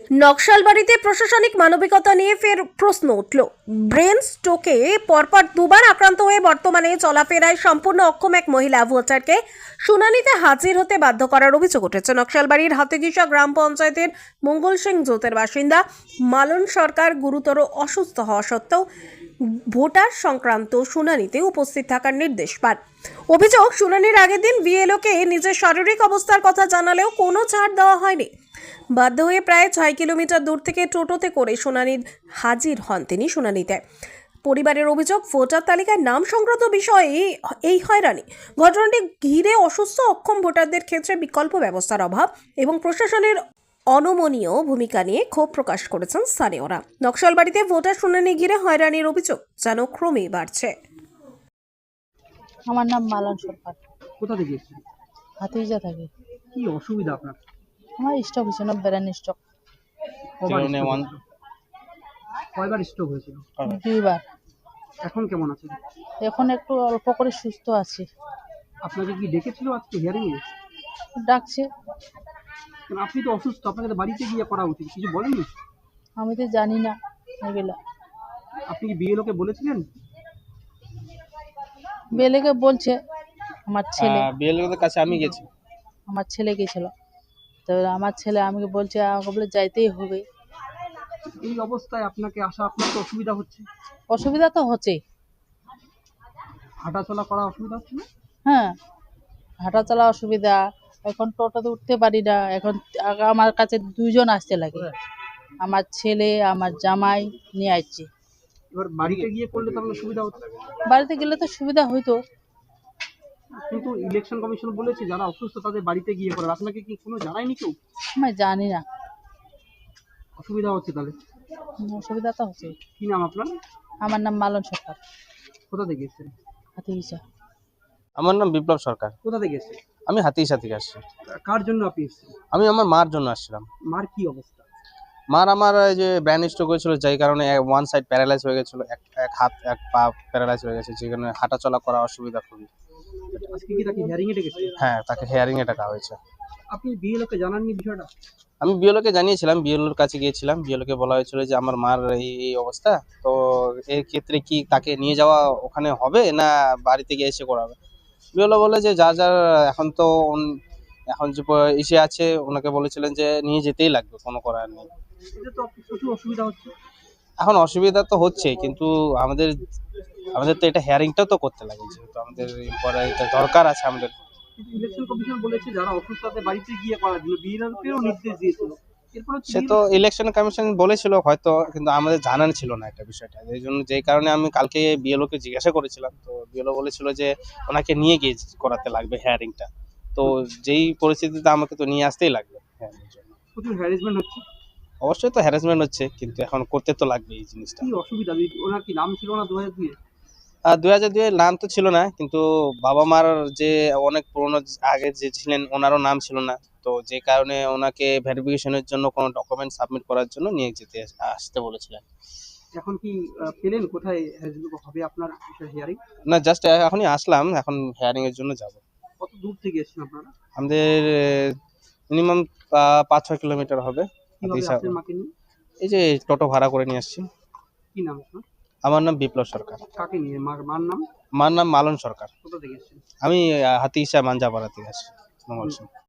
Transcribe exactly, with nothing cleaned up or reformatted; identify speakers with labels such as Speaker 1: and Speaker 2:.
Speaker 1: নকশালবাড়িতে প্রশাসনিক মানবিকতা নিয়ে ফের প্রশ্ন উঠল। ব্রেন স্ট্রোকে পরপর দুবার আক্রান্ত হয়ে বর্তমানে চলাফেরায় সম্পূর্ণ অক্ষম এক মহিলা ভোটারকে শুনানিতে হাজির হতে বাধ্য করার অভিযোগ উঠেছে। নকশালবাড়ির হাতিগিসা গ্রাম পঞ্চায়েতের মঙ্গল সিং জোতের বাসিন্দা মালন সরকার গুরুতর অসুস্থ হওয়া সত্ত্বেও ভোটার সংক্রান্ত শুনানিতে উপস্থিত থাকার নির্দেশ পান। অভিযোগ, শুনানির আগের দিন বিএলওকে নিজের শারীরিক অবস্থার কথা জানালেও কোনো ছাড় দেওয়া হয়নি। বাধ্য হয়ে প্রায় ছয় কিলোমিটার দূর থেকে টোটোতে করে শুনানির হাজির হন তিনি শুনানিতে। পরিবারের অভিযোগ, ভোটার তালিকায় নাম সংক্রান্ত বিষয়ে এই হয়রানি। ঘটনাটি ঘিরে অসুস্থ অক্ষম ভোটারদের ক্ষেত্রে বিকল্প ব্যবস্থার অভাব এবং প্রশাসনের অনমনীয় ভূমিকা নিয়ে ক্ষোভ প্রকাশ করেছেন স্থানীয়রা। নকশালবাড়িতে ভোটার শুনানি ঘিরে হয়রানির অভিযোগ যেন ক্রমেই বাড়ছে।
Speaker 2: আমার নাম মালন সরকার।
Speaker 3: কোথা থেকে এসেছেন?
Speaker 2: হাতিজা থাকে।
Speaker 3: কি অসুবিধা আপনার?
Speaker 2: আমার স্টক হয়েছে না, ব্রেন স্টক।
Speaker 3: কবার stroke হয়েছিল? কয়বার স্ট্রোক হয়েছিল?
Speaker 2: দুইবার।
Speaker 3: এখন কেমন আছেন?
Speaker 2: এখন একটু অল্প করে সুস্থ আছি।
Speaker 3: আপনাকে কি ডেকেছিল আজকে হিয়ারিং এ?
Speaker 2: ডাকছে।
Speaker 3: কারণ আপনি তো অসুস্থ, আপনাকে তো বাড়িতে গিয়ে করা উচিত, কিছু বলেননি?
Speaker 2: আমি তো জানি না এগুলা।
Speaker 3: আপনি কি বিএলও কে বলেছিলেন?
Speaker 2: বেলেকে বলছে আমার ছেলে।
Speaker 4: বিএলও এর কাছে আমি গেছি।
Speaker 2: আমার ছেলে গেছিল, তো আমার ছেলে আমাকে বলছে, আমাকে বলে যাইতেই হবে।
Speaker 3: এই অবস্থায় আপনাকে আসা, আপনার তো অসুবিধা হচ্ছে।
Speaker 2: অসুবিধা তো হচ্ছেই।
Speaker 3: হাঁটাচলা করা অসুবিধা হচ্ছে না?
Speaker 2: হ্যাঁ, হাঁটা চলা অসুবিধা। এখন টোটোতে উঠতে পারি না। এখন আগে আমার কাছে দুইজন আসতে লাগে, আমার ছেলে আমার জামাই নিয়ে আসছে।
Speaker 3: এবার বাড়িতে গিয়ে করলে তো আপনার সুবিধা হতো।
Speaker 2: বাড়িতে গেলে তো সুবিধা হইতো,
Speaker 3: কিন্তু ইলেকশন কমিশন বলেছে যারা অসুস্থ তাদের বাড়িতে গিয়ে করার। আপনাকে কি কোনো জানায়নি কেউ?
Speaker 2: আমি জানি না।
Speaker 3: অসুবিধা হচ্ছে তাহলে?
Speaker 2: অসুবিধা তো হচ্ছে।
Speaker 3: কি নাম আপনার?
Speaker 2: আমার নাম মালন সরকার।
Speaker 3: কোথা থেকে এসেছেন?
Speaker 2: হাতিগিসা।
Speaker 4: আমার নাম বিপ্লব সরকার।
Speaker 3: কোথা থেকে এসেছেন?
Speaker 4: আমি হাতিগিসা থেকে আসছি।
Speaker 3: কার জন্য আপনি এসেছেন?
Speaker 4: আমি আমার মার জন্য আসছিলাম।
Speaker 3: মার কি অবস্থা?
Speaker 4: মার আমার এই যে ব্রেন স্ট্রোক হয়েছিল, যাই কারণে ওয়ান সাইড প্যারালাইজ হয়ে গেছিল, এক এক হাত এক পা প্যারালাইজ হয়ে গেছে, যে কারণে হাঁটা চলা করা অসুবিধা খুবই।
Speaker 3: আজকে কি তাকে হিয়ারিং এ ডেকেছেন?
Speaker 4: হ্যাঁ, তাকে হেয়ারিং এ ডাকা হয়েছে।
Speaker 3: আপনি বিএলও কে জানাননি বিষয়টা?
Speaker 4: আমি বিএলও কে জানিয়েছিলাম, বিএলওর কাছে গিয়েছিলাম, বিএলও কে বলা হয়েছিল যে আমার মার এই এই অবস্থা, তো এর ক্ষেত্রে কি তাকে নিয়ে যাওয়া ওখানে হবে না বাড়িতে গিয়ে এসে করাবে। বিএলও বলে যে যা যা এখন তো উন- এখন যে প- ইসে আছে, ওনাকে বলেছিলেন যে নিয়ে যেতেই লাগবে, কোনো করার নেই।
Speaker 3: এটা তো প্রচুর অসুবিধা হচ্ছে।
Speaker 4: এখন অসুবিধা তো হচ্ছে, কিন্তু আমাদের আমাদের তো এটা হেয়ারিংটাও তো করতে লাগে, যেহেতু আমাদের পরে এটা দরকার আছে আমাদের।
Speaker 3: কিন্তু ইলেকশন কমিশন বলেছে যারা অসুস্থ তাদের বাড়িতে গিয়ে করার জন্য, বিএলও কেও নির্দেশ দিয়েছিল। এরপর
Speaker 4: সে তো ইলেকশন কমিশন বলেছিল হয়তো, কিন্তু আমাদের জানান ছিল না এটা বিষয়টা, এই জন্য যেই কারণে আমি কালকে বিএলও কে জিজ্ঞাসা করেছিলাম, তো বিএলও বলেছিল যে ওনাকে নিয়ে গিয়ে করাতে লাগবে হেয়ারিংটা। তো যেই পরিস্থিতিতে আমাকে তো নিয়ে আসতেই লাগবে hearing এর জন্য।
Speaker 3: প্রচুর হ্যারাসমেন্ট হচ্ছে।
Speaker 4: অবশ্যই তো হ্যারাসমেন্ট হচ্ছে, কিন্তু এখন করতে তো লাগবে এই জিনিসটা।
Speaker 3: কি অসুবিধা? ওনার কি নাম ছিল না দু হাজার দুই?
Speaker 4: আর দুই হাজার দুই এর নাম তো ছিল না, কিন্তু বাবা মার যে অনেক পুরনো আগে যে ছিলেন ওনারও নাম ছিল না, তো যে কারণে ওনাকে ভেরিফিকেশনের জন্য কোনো ডকুমেন্ট সাবমিট করার জন্য নিয়ে যেতে আসতে বলেছিলেন।
Speaker 3: এখন কি আহ, পেলেন কোথায় হবে আপনার হিয়ারিং?
Speaker 4: না, জাস্ট এখনই আসলাম, এখন হেয়ারিং এর জন্য যাব।
Speaker 3: কত দূর থেকে এসেছেন আপনারা?
Speaker 4: আমাদের মিনিমাম পাঁচ ছয় কিলোমিটার হবে।
Speaker 3: কিভাবে
Speaker 4: হাতিগিসা-
Speaker 3: আসলেন মাকে নিয়ে?
Speaker 4: এই যে টোটো ভাড়া করে নিয়ে আসছি।
Speaker 3: কি নাম আপনার?
Speaker 4: আমার নাম বিপ্লব সরকার।
Speaker 3: কাকে নিয়ে? মার মার নাম?
Speaker 4: আমার নাম মালন সরকার।
Speaker 3: কোথা থেকে এসেছেন?
Speaker 4: আমি আহ, হাতিগিসা মাঞ্জাপাড়া থেকে আসছি, মঙ্গল সিং।